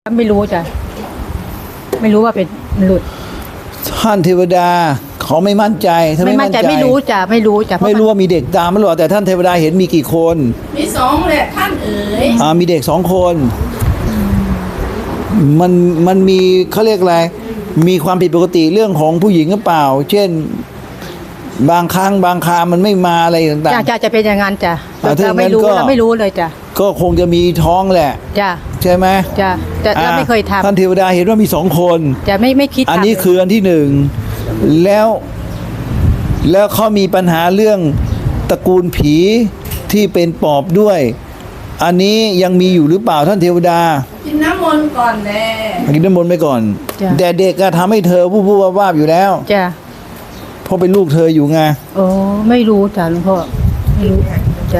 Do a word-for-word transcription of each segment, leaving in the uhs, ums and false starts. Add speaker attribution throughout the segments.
Speaker 1: ไม่รู้จ้ะไม่รู้ว่าเป็นหลุด
Speaker 2: ท่านเทวดาเขาไม่มั่นใจถ้าไม่มั่นใจ
Speaker 1: ไม่รู้จ้ะไม่รู้จ้ะ
Speaker 2: ไม่รู้ว่ามีเด็กตามไม่รู้แต่ท่านเทวดาเห็นมีกี่คน
Speaker 3: มีสองแหละท่านเอ๋ย
Speaker 2: อ่ามีเด็กสองคนมันมันมีเขาเรียกอะไรมีความผิดปกติเรื่องของผู้หญิงหรือเปล่าเช่นบางครั้งบางครามันไม่มาอะไรต่างๆ
Speaker 1: จ้ะจะจะเป็นอย่างนั้นจ้ะ
Speaker 2: เรา
Speaker 1: ไม่รู้เราไม่รู้เลยจ้ะ
Speaker 2: ก็คงจะมีท้องแหละ
Speaker 1: จ้ะ
Speaker 2: ใช่ไหม
Speaker 1: จ้ะแต่เราไม่เคยทำ
Speaker 2: ท่านเทวดาเห็นว่ามีสองคน
Speaker 1: จะไม่ไม่คิด
Speaker 2: อันนี้คืออันที่หนึ่งแล้วแล้วเขามีปัญหาเรื่องตระกูลผีที่เป็นปอบด้วยอันนี้ยังมีอยู่หรือเปล่าท่านเทวดา
Speaker 3: กินน้ำมนต์ก่อนแน่
Speaker 2: กินน้ำมนต์ไปก่อนแต่เด็กก็ทำให้เธอผู้ผู้ว่าๆอยู่แล้ว
Speaker 1: จ้ะ
Speaker 2: เพราะเป็นลูกเธออยู่ไง
Speaker 1: โอ้ไม่รู้จ้ะหลวงพ่อไม่รู้จ้ะ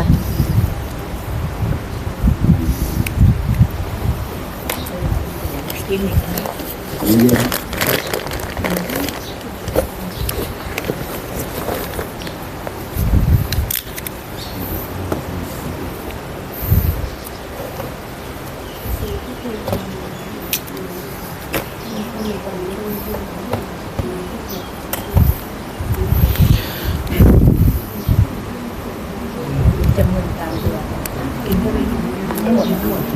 Speaker 1: จะมึนตามตัวกินเข้าไปไม่หมดไม่หมด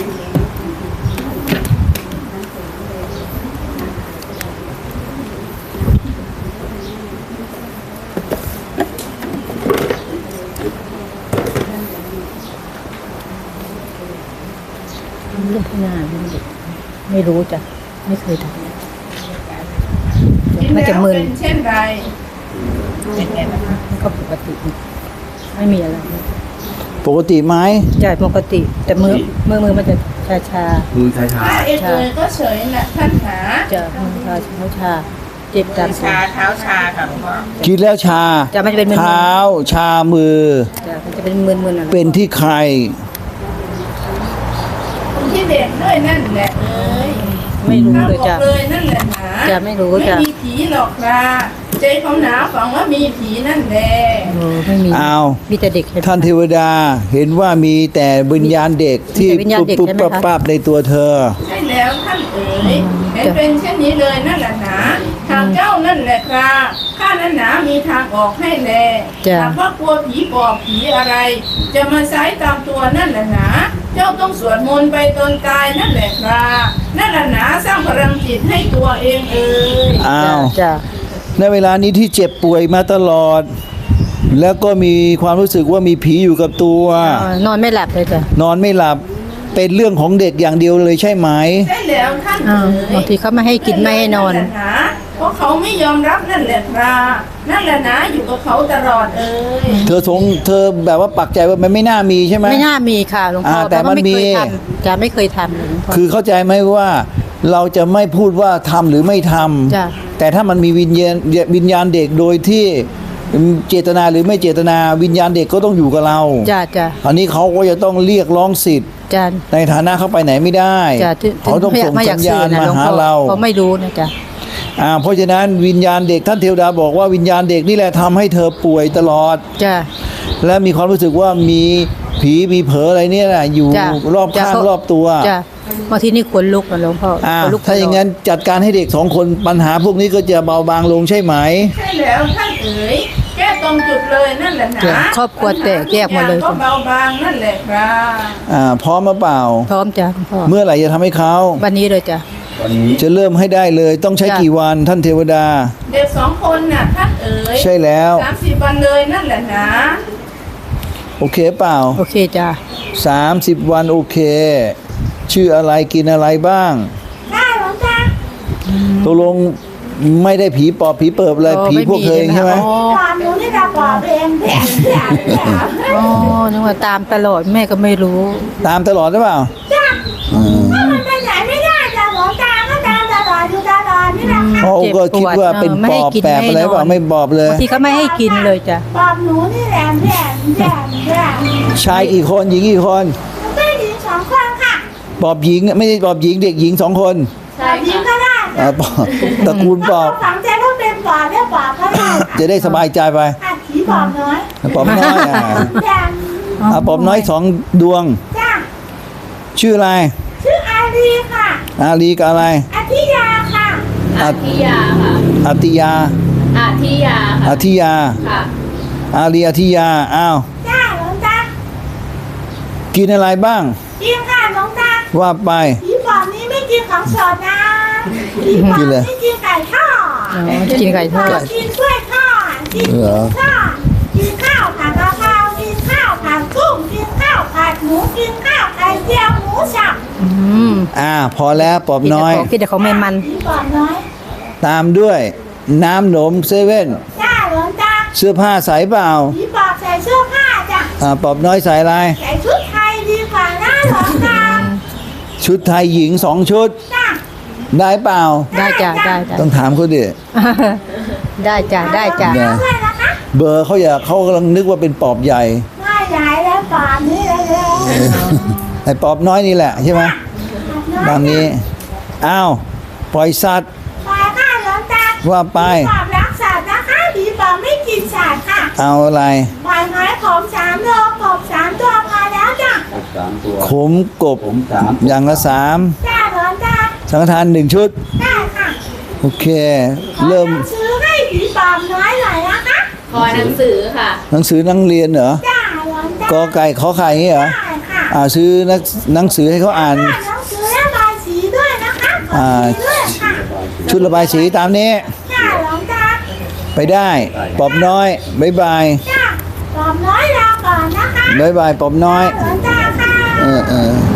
Speaker 1: เรื่องพนาเรื่องเด็กไม่รู้จ้ะไม่เคยทำมันจะมึน
Speaker 3: เช่นไร
Speaker 1: มันก็ปกติไม่มีอะไร
Speaker 2: ปกติไหม
Speaker 1: ใช่ปกติแต่มือมือมือมันจะชาชา
Speaker 2: มือชาชา
Speaker 3: เอ็ดเลยก็เฉยนะท่านหา
Speaker 1: จะมือชาเท้าชาเจ็บตาม
Speaker 3: ชาเท้าชาค่ะหลวงพ่อ
Speaker 2: กินแล้วชา
Speaker 1: จะมันจะเป็นมือ
Speaker 2: เท้าชามือ
Speaker 1: จะมันจะเป็นมือมือน่ะ
Speaker 2: เป็นที่ใคร
Speaker 3: ที่เด็กด้วยนั่นแหละเอ้ย
Speaker 1: ไม่รู้เลยจ้ะ
Speaker 3: เลยนั่นแหละหา
Speaker 1: จะไม่รู้จ้ะ
Speaker 3: ไม่มีผีหรอกค่ะใจเขาหนาฝังว่ามีผีนั่นแหละ
Speaker 1: โอ้ไม่มี
Speaker 2: อ้าว
Speaker 1: มีแต่เด็ก
Speaker 2: ท่านเทวดาเห็นว่ามีแต่วิญญาณเด็กที่ปุ๊บปุ๊บปั๊บปั๊บในตัวเธอ
Speaker 3: ใช่แล้วท่านเอ๋ยเห็นเป็นเช่นนี้เลยนั่นแหละหนาทางเจ้านั่นแหละค่ะข้านั้นหนามีทางออกให้แลหากว่ากลัวผีปอบผีอะไรจะมาใช้ตามตัวนั่นแหละหนาเจ้าต้องสวดมนต์ไปตนกายนั่นแหละค่ะนั่นแหละหนาสร้างพลังจิตให้ตัวเองเอ๋ย
Speaker 2: อ้าว
Speaker 1: จ้ะ
Speaker 2: ในเวลานี้ที่เจ็บป่วยมาตลอดแล้วก็มีความรู้สึกว่ามีผีอยู่กับตัวน
Speaker 1: อนไม่หลับเลยจ้ะ
Speaker 2: นอนไม่หลับเป็นเรื่องของเด็กอย่างเดียวเลยใช่ไหม
Speaker 3: ใช่แล้วท่าน
Speaker 1: บางทีเขาไม่ให้กินไม่ให้นอน
Speaker 3: เพราะเขาไม่ยอมรับนั่นแหละครับนั่นแหละนะอยู่กับเขาตลอดเอ้ย
Speaker 2: เธอสงเธอแบบว่าปักใจว่ามันไม่น่ามีใช่ไหม
Speaker 1: ไม่น่ามีค่ะหลวงพ่อ
Speaker 2: แต่มันมี
Speaker 1: จะไม่เคยทำ
Speaker 2: คือเข้าใจไหมว่าเราจะไม่พูดว่าทำหรือไม่ทำแต่ถ้ามันมีวิญญาณวิญญาณเด็กโดยที่เจตนาหรือไม่เจตนาวิญญาณเด็กก็ต้องอยู่กับเรา
Speaker 1: จ้ะจ้ะ
Speaker 2: อันนี้เขาก็จะต้องเรียกร้องสิทธิ์ในฐานะเขาไปไหนไม่ได้เขาต้องส่งสัญญาณมาหาเรา
Speaker 1: เขาไม่รู้นะจ๊ะ
Speaker 2: อ่าเพราะฉะนั้นวิญญาณเด็กท่านเทวดาบอกว่าวิญญาณเด็กนี่แหละทำให้เธอป่วยตลอด
Speaker 1: จ้ะ
Speaker 2: และมีความรู้สึกว่ามีผีมีเผลออะไรเนี่ยแหละอยู่รอบข้างรอบตัว
Speaker 1: จ้ะบางทีนี่ขนลุกนะหลวงพ่อ
Speaker 2: ถ้าอย่างนั้นจัดการให้เด็กสองคนปัญหาพวกนี้ก็จะเบาบางลงใช่ไหม
Speaker 3: ใช่แล้วท่านเอ๋ยแก้ตรงจุดเลยนั่นแหละนะ
Speaker 1: ครอบครัวแตกแยกหมดเลย
Speaker 3: ก็เบาบางนั่นแหละครับ
Speaker 2: อ่าพร้อมมาเปล่า
Speaker 1: พร้อมจ้ะหลวงพ่อ
Speaker 2: เมื่อไหร่จะทำให้เขา
Speaker 1: วันนี้เลยจ้ะ
Speaker 2: จะเริ่มให้ได้เลยต้องใช้กี่วันท่านเทวดา
Speaker 3: เด็กสองคนน่ะท่านเอ๋ย
Speaker 2: ใช่แล้ว
Speaker 3: สามสิบวันเลยนั่นแหละนะ
Speaker 2: โอเคเปล่า
Speaker 1: โอเคจ้ะ
Speaker 2: สามสิบวันโอเคชื่ออะไรกินอะไรบ้าง
Speaker 3: ได้หรอจ๊ะ
Speaker 2: ตกลงไม่ได้ผีปอบผีเปิบอะไรผีพวกเคยใช่ไหม
Speaker 3: ตามหนูนี่เราปอบเองแผลแผล
Speaker 1: อ๋อนึกว่าตามตลอดแม่ก็ไม่รู้
Speaker 2: ตามตลอดหรือเปล่า
Speaker 3: จ้ะถ้ามันไปไหนไม่ได้จะหลงตามก็ตามตลอดอยู่ตลอดนี่แหละค่ะ
Speaker 2: เขาก็คิดว่าเป็นปอบแปบอะไรเปล่าไม่ปอบเลย
Speaker 1: บางทีเขาไม่ให้กินเลยจ้ะ
Speaker 3: ปอบหนูนี่แหละแผลแผลแผล
Speaker 2: ชายกี่คนหญิงกี่คน
Speaker 3: ได้หญิงสองคนค่ะ
Speaker 2: ปอบหญิงไม่ใช่ปอบหญิงเด็กหญิงสองคน
Speaker 3: ปอบหญิงก็ได้
Speaker 2: ตระกูลปอบ
Speaker 3: ฝังใจต้องเป็นปอบเนี่ยปอบก็ได้
Speaker 2: จะได้สบายใจไป
Speaker 3: ผีปอบน้อย
Speaker 2: ปอบน้อยอ่ะปอบน้อยสองดวง
Speaker 3: จ้า
Speaker 2: ชื่ออะไร
Speaker 3: ชื่ออารีค่ะ
Speaker 2: อาลีกับอะไร
Speaker 3: อธิยาค่ะ
Speaker 2: อาทิยาค่ะอาทิยา
Speaker 4: อาทิยา
Speaker 2: อาทิยา
Speaker 4: ค่ะ
Speaker 2: อาลีอาทิยาอ้าว
Speaker 3: จ้าหลวงตา
Speaker 2: กินอะไรบ้าง
Speaker 3: กินค่ะหลวงตา
Speaker 2: ว่าไป
Speaker 3: ผีปอบนี้ไม่กินของสดนะผีปอบ
Speaker 2: กินอะไร
Speaker 3: นี่กินไก่ทอด
Speaker 1: อ๋อกินไก่ทอด
Speaker 3: กินกล้วยทอดกิน
Speaker 2: เหรอ
Speaker 3: ข้าวกินข้าวผัดกะเพรากินข้าวผัดกุ้งกินข้าวผัดหมูกินข้าวไข่เจียวหมูสับ
Speaker 1: อืม
Speaker 2: อ่าพอแล้วปอบ
Speaker 1: กินแต่
Speaker 2: น้อย
Speaker 1: ของกินแต่ของไม่มัน
Speaker 3: ผีปอบน้อย
Speaker 2: ตามด้วยน้ำหนมเซเว่น
Speaker 3: จ้าหลวงตา
Speaker 2: เสื้อผ้าใส่เปล่า
Speaker 3: ผีปอบใส่เสื้อผ้าจ้ะ
Speaker 2: อ่าปอบน้อยใส่อะไร
Speaker 3: ใส่ชุดไทยดีกว่านะหลวงตา
Speaker 2: ชุดไทยหญิงสองชุด
Speaker 3: จ้า
Speaker 2: ได้เปล่า
Speaker 1: ได้จ้ะได้จ้ะ
Speaker 2: ต้องถามเขาดิ
Speaker 1: ได้จ้ะได้จ้ะ
Speaker 2: ได้
Speaker 3: ด้วยนะคะ
Speaker 2: เบอร์เขาอยากเขากำลังนึกว่าเป็นปอบใหญ่
Speaker 3: ไม่ใหญ่แล้วปอบนี้เลยแล้ว
Speaker 2: ไอ้ปอบน้อยนี่แหละใช่ไหมตามนี้อ้าวปล่อยสัตว์
Speaker 3: ปล่อยค่ะหลวงตา
Speaker 2: ว่าไป
Speaker 3: ผีปอบรักสัตว์นะคะผีปอบไม่กินสัตว์ค่ะ
Speaker 2: เอาอะไร
Speaker 3: ปล่อยไม้ผมสามโลกบสามตัวพอแล้วจ้ะ
Speaker 5: สามตัว
Speaker 2: ขมกบ
Speaker 5: ผมสาม
Speaker 2: อย่างละสาม
Speaker 3: จ้าหลวงตา
Speaker 2: สังฆทานหนึ่งชุด
Speaker 3: ได้ค่ะ
Speaker 2: โอเค เริ่ม
Speaker 3: ขอหนังซื้อให้ผีปอบน้อยหน่อยนะคะ
Speaker 4: ขอหนังสือค่ะ
Speaker 2: หนังสือนักเรียนเหรอ
Speaker 3: จ้าหลวงตาก
Speaker 2: อไก่ขอไข่อย่างงี้เหรอ
Speaker 3: ได้ค่ะ
Speaker 2: อ่าซื้อหนังหนังสือให้เขาอ่าน
Speaker 3: ได้หนังสือระบายสีด้วยนะคะขอ
Speaker 2: อ่า
Speaker 3: สีด้วยค่ะ
Speaker 2: ชุดระบายสีตามนี้
Speaker 3: จ้าหลวงตา
Speaker 2: ไปได้ปอบน้อยบายบาย
Speaker 3: จ้าปอบน้อยรอก่อนนะคะ
Speaker 2: บายบายปอบน้อย
Speaker 3: หลวงตาค่ะ
Speaker 2: เออเออ